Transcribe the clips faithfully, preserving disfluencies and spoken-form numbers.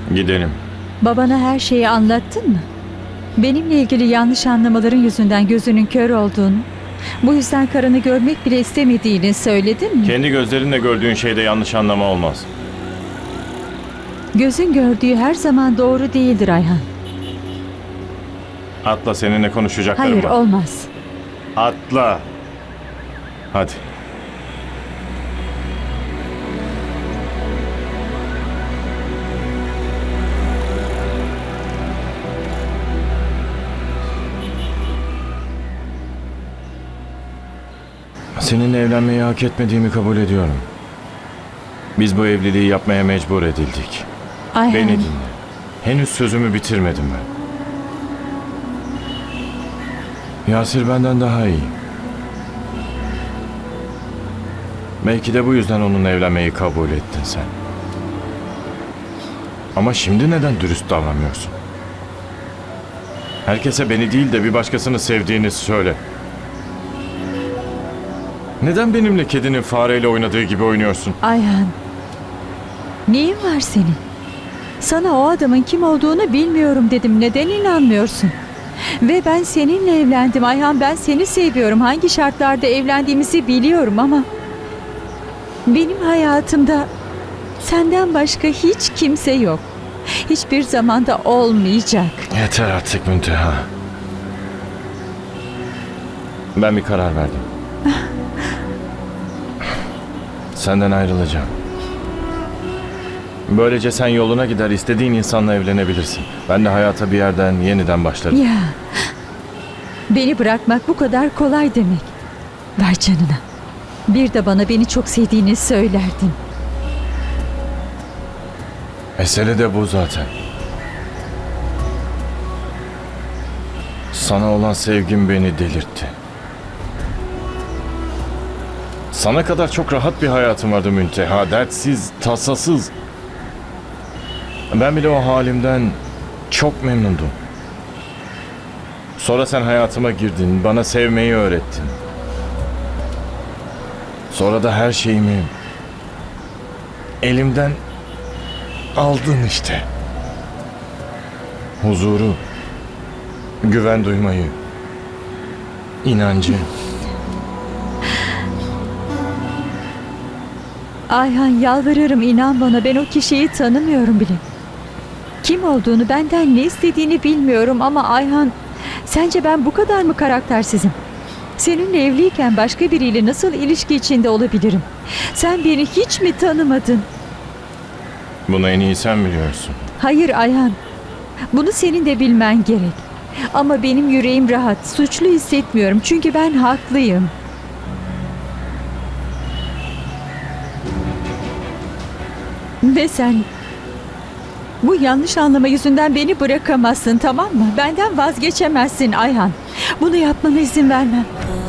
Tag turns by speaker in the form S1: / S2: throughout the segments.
S1: Gidelim.
S2: Babana her şeyi anlattın mı? Benimle ilgili yanlış anlamaların yüzünden gözünün kör olduğunu, bu yüzden karını görmek bile istemediğini söyledin mi?
S1: Kendi gözlerinle gördüğün şeyde yanlış anlama olmaz.
S2: Gözün gördüğü her zaman doğru değildir Ayhan.
S1: Atla, seninle konuşacaklarım
S2: Hayır,
S1: var.
S2: olmaz.
S1: Atla. Hadi. Seninle evlenmeyi hak etmediğimi kabul ediyorum. Biz bu evliliği yapmaya mecbur edildik.
S2: Ayhan.
S1: Beni dinle. Henüz sözümü bitirmedim ben. Yasir benden daha iyi. Belki de bu yüzden onunla evlenmeyi kabul ettin sen. Ama şimdi neden dürüst davranmıyorsun? Herkese beni değil de bir başkasını sevdiğini söyle. Neden benimle kedinin fareyle oynadığı gibi oynuyorsun?
S2: Ayhan. Neyin var senin? Sana o adamın kim olduğunu bilmiyorum dedim. Neden inanmıyorsun? Ve ben seninle evlendim Ayhan. Ben seni seviyorum. Hangi şartlarda evlendiğimizi biliyorum ama benim hayatımda senden başka hiç kimse yok. Hiçbir zamanda olmayacak.
S1: Yeter artık Münteha. Ben bir karar verdim. Senden ayrılacağım. Böylece sen yoluna gider, istediğin insanla evlenebilirsin. Ben de hayata bir yerden yeniden başlarım.
S2: Ya, beni bırakmak bu kadar kolay demek. Ver canına. Bir de bana beni çok sevdiğini söylerdin.
S1: Mesele de bu zaten. Sana olan sevgim beni delirtti. Sana kadar çok rahat bir hayatım vardı Münteha. Dertsiz, tasasız. Ben bile o halimden çok memnundum. Sonra sen hayatıma girdin, bana sevmeyi öğrettin. Sonra da her şeyimi elimden aldın işte. Huzuru, güven duymayı, inancı.
S2: Ayhan, yalvarırım, inan bana, ben o kişiyi tanımıyorum bile. Kim olduğunu, benden ne istediğini bilmiyorum ama Ayhan, sence ben bu kadar mı karaktersizim? Seninle evliyken başka biriyle nasıl ilişki içinde olabilirim? Sen beni hiç mi tanımadın?
S1: Bunu en iyi sen biliyorsun.
S2: Hayır Ayhan, bunu senin de bilmen gerek. Ama benim yüreğim rahat, suçlu hissetmiyorum çünkü ben haklıyım. Ve sen bu yanlış anlama yüzünden beni bırakamazsın, tamam mı? Benden vazgeçemezsin Ayhan. Bunu yapmana izin vermem.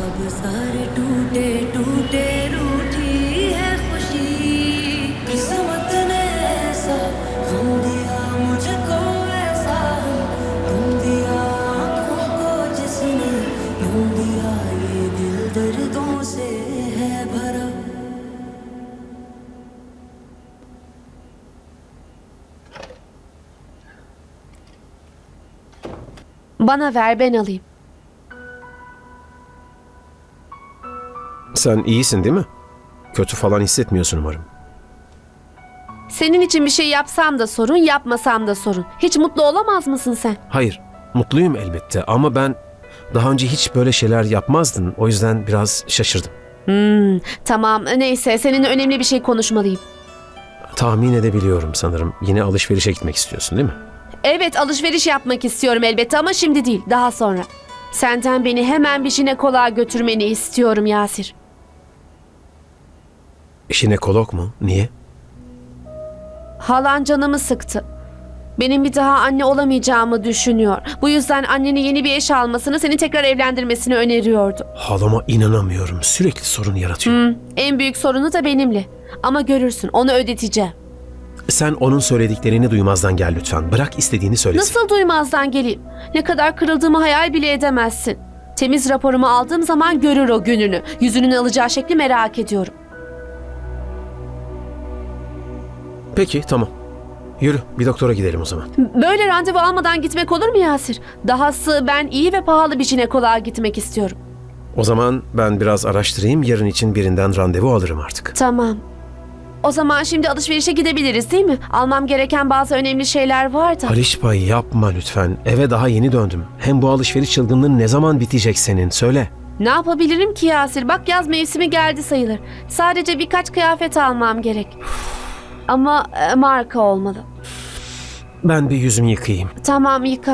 S3: Bana ver, ben alayım.
S4: Sen iyisin değil mi? Kötü falan hissetmiyorsun umarım.
S3: Senin için bir şey yapsam da sorun, yapmasam da sorun. Hiç mutlu olamaz mısın sen?
S4: Hayır, mutluyum elbette ama ben daha önce hiç böyle şeyler yapmazdın. O yüzden biraz şaşırdım.
S3: Hmm, tamam, neyse, seninle önemli bir şey konuşmalıyım.
S4: Tahmin edebiliyorum sanırım. Yine alışverişe gitmek istiyorsun değil mi?
S3: Evet, alışveriş yapmak istiyorum elbette ama şimdi değil, daha sonra. Senden beni hemen bir jinekoloğa götürmeni istiyorum Yasir.
S4: Jinekolog mu? Niye?
S3: Halan canımı sıktı. Benim bir daha anne olamayacağımı düşünüyor. Bu yüzden annene yeni bir eş almasını, seni tekrar evlendirmesini öneriyordu.
S4: Halama inanamıyorum. Sürekli sorun yaratıyor.
S3: Hmm, en büyük sorunu da benimle. Ama görürsün, onu ödeteceğim.
S4: Sen onun söylediklerini duymazdan gel lütfen. Bırak istediğini söylesin.
S3: Nasıl duymazdan geleyim? Ne kadar kırıldığımı hayal bile edemezsin. Temiz raporumu aldığım zaman görür o gününü. Yüzünün alacağı şekli merak ediyorum.
S4: Peki tamam. Yürü bir doktora gidelim o zaman.
S3: Böyle randevu almadan gitmek olur mu Yasir? Dahası ben iyi ve pahalı bir jinekoloğa gitmek istiyorum.
S4: O zaman ben biraz araştırayım, yarın için birinden randevu alırım artık.
S3: Tamam. O zaman şimdi alışverişe gidebiliriz değil mi? Almam gereken bazı önemli şeyler var da.
S4: Alişba yapma lütfen. Eve daha yeni döndüm. Hem bu alışveriş çılgınlığın ne zaman bitecek senin? Söyle.
S3: Ne yapabilirim ki Yasir? Bak yaz mevsimi geldi sayılır. Sadece birkaç kıyafet almam gerek. Ama e, marka olmalı.
S4: Ben bir yüzümü yıkayayım.
S3: Tamam, yıka.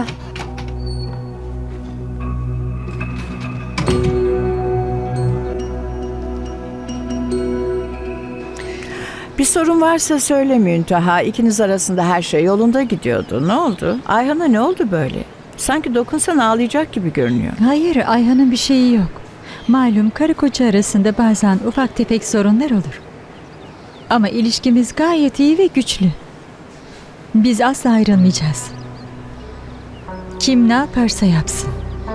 S5: Bir sorun varsa söyle Münteha. İkiniz arasında her şey yolunda gidiyordu. Ne oldu? Ayhan'a ne oldu böyle? Sanki dokunsan ağlayacak gibi görünüyor.
S2: Hayır, Ayhan'ın bir şeyi yok. Malum karı koca arasında bazen ufak tefek sorunlar olur. Ama ilişkimiz gayet iyi ve güçlü. Biz asla ayrılmayacağız. Kim ne yaparsa yapsın.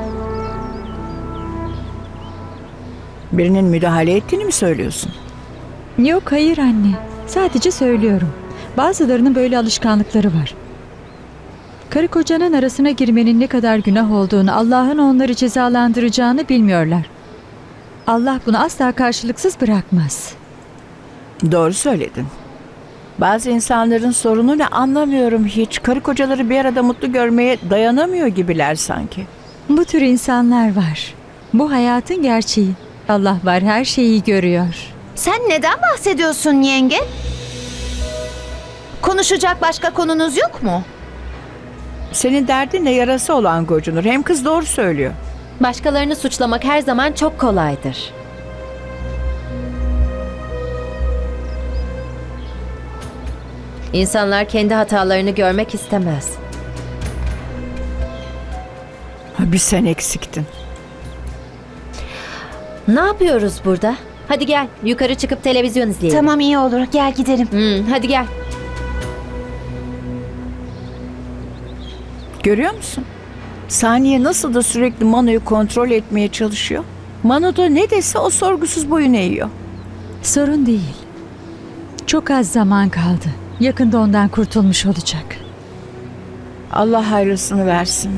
S5: Birinin müdahale ettiğini mi söylüyorsun?
S2: Yok, hayır anne. Sadece söylüyorum. Bazılarının böyle alışkanlıkları var. Karı kocanın arasına girmenin ne kadar günah olduğunu, Allah'ın onları cezalandıracağını bilmiyorlar. Allah bunu asla karşılıksız bırakmaz.
S5: Doğru söyledin. Bazı insanların sorunu ne anlamıyorum hiç. Karı kocaları bir arada mutlu görmeye dayanamıyor gibiler sanki.
S2: Bu tür insanlar var. Bu hayatın gerçeği. Allah var, her şeyi görüyor.
S6: Sen neden bahsediyorsun yenge? Konuşacak başka konunuz yok mu?
S5: Senin derdin ne, yarası olan gocunur. Hem kız doğru söylüyor.
S7: Başkalarını suçlamak her zaman çok kolaydır. İnsanlar kendi hatalarını görmek istemez.
S5: Bir sen eksiktin.
S7: Ne yapıyoruz burada? Hadi gel, yukarı çıkıp televizyon izleyelim.
S6: Tamam, iyi olur. Gel gidelim.
S7: Hmm, hadi gel.
S5: Görüyor musun? Saniye nasıl da sürekli Manu'yu kontrol etmeye çalışıyor. Manu da ne dese o sorgusuz boyun eğiyor.
S2: Sorun değil. Çok az zaman kaldı. Yakında ondan kurtulmuş olacak.
S5: Allah hayırlısını versin.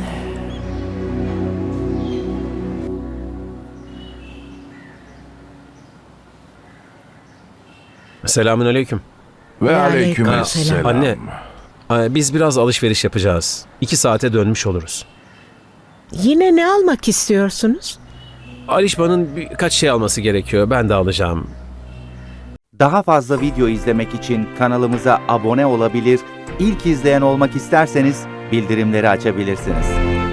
S4: Selamünaleyküm.
S1: Ve
S5: aleykümselam.
S4: Anne, e, biz biraz alışveriş yapacağız. İki saate dönmüş oluruz.
S8: Yine ne almak istiyorsunuz?
S4: Alişba'nın birkaç şey alması gerekiyor. Ben de alacağım.
S9: Daha fazla video izlemek için kanalımıza abone olabilir, ilk izleyen olmak isterseniz bildirimleri açabilirsiniz.